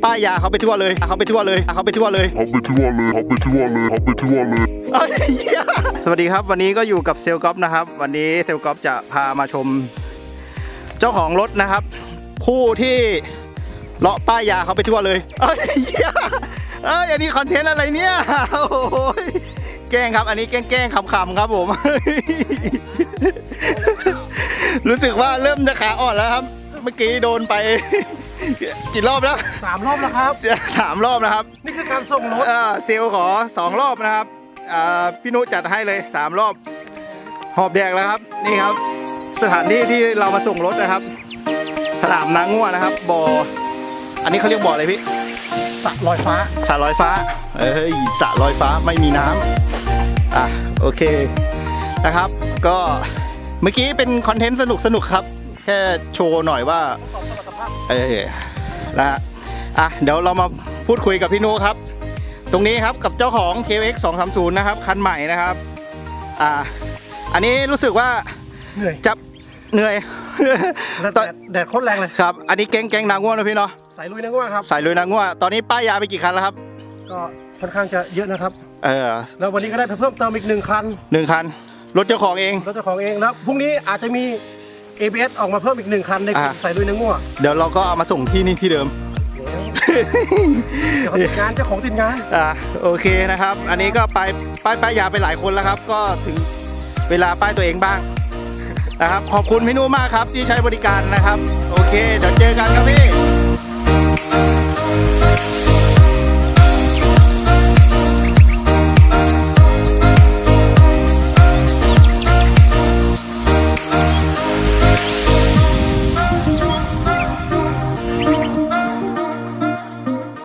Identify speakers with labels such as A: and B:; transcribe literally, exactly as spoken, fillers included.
A: ป้ายยาเขาไปทั่วเลยเขาไปทั่วเลยเขาไปทั่วเลย
B: เขาไปทั่วเลยเขาไปทั่วเลยเขาไปทั่วเลย
A: สวัสดีครับวันนี้ก็อยู่กับเซลก๊อฟนะครับวันนี้เซลก๊อฟจะพามาชมเจ้าของรถนะครับผู้ที่เลาะป้ายยาเขาไปทั่วเลยเอ้ยเอ้ยอันนี้คอนเทนต์อะไรเนี่ยโอ้โหแกล้งครับอันนี้แกล้งแกล้งขำๆครับผมรู้สึกว่าเริ่มจะขาอ่อนแล้วครับเมื่อกี้โดนไปกี่รอบแล้ว
C: สามรอบแล้วครับ
A: สามรอบนะครับ
C: นี่คือการส่งรถ
A: เซลขอสองรอบนะครับพี่นุจัดให้เลยสามรอบหอบแดกแล้วครับนี่ครับสถานที่ที่เรามาส่งรถนะครับสนามนางงัวนะครับบ่ออันนี้เขาเรียกบ่ออะไรพี่
C: สระลอยฟ้า
A: สระลอยฟ้าเอ้ยสระลอยฟ้าไม่มีน้ำอ่ะโอเคนะครับก็เมื่อกี้เป็นคอนเทนต์สนุกสนุกครับแค่โชว์หน่อยว่าเออนะฮะอ่ะเดี๋ยวเรามาพูดคุยกับพี่นุครับตรงนี้ครับกับเจ้าของ เค เอ็กซ์ สองสามศูนย์ นะครับคันใหม่นะครับอ่าอันนี้รู้สึกว่า
C: เหนื่อย
A: จับเหนื่อย
C: แดดแดดโคตรแรงเลย
A: ครับอันนี้แก๊งแก๊งนางง่วงนะพี่เนาะ
C: สายลุยนางง่วงครับ
A: สายลุยนางง่วงตอนนี้ป้ายยาไปกี่คันแล้วครับ
C: ก็ค่อนข้างจะเยอะนะครับ
A: เออ
C: แล้ววันนี้ก็ได้เพิ่มเติมอีกหนึ่งคัน
A: หนึ่งคันรถเจ้าของเอง
C: รถเจ้าของเองแล้วพรุ่งนี้อาจจะมี เอ บี เอส ออกมาเพิ่มอีกหนึ่งคันในสายลุยนางง่วง
A: เดี๋ยวเราก็เอามาส่งที่นี่ที่เดิม
C: เจ้าของติดงานเจ้าของติดงาน
A: อ่าโอเคนะครับอันนี้ก็ไปป้ายป้ายยาไปหลายคนแล้วครับก็ถึงเวลาป้ายตัวเองบ้างนะครับขอบคุณพี่นุมากครับที่ใช้บริการนะครับโอเคเดี๋ยวเจอกันครับพี่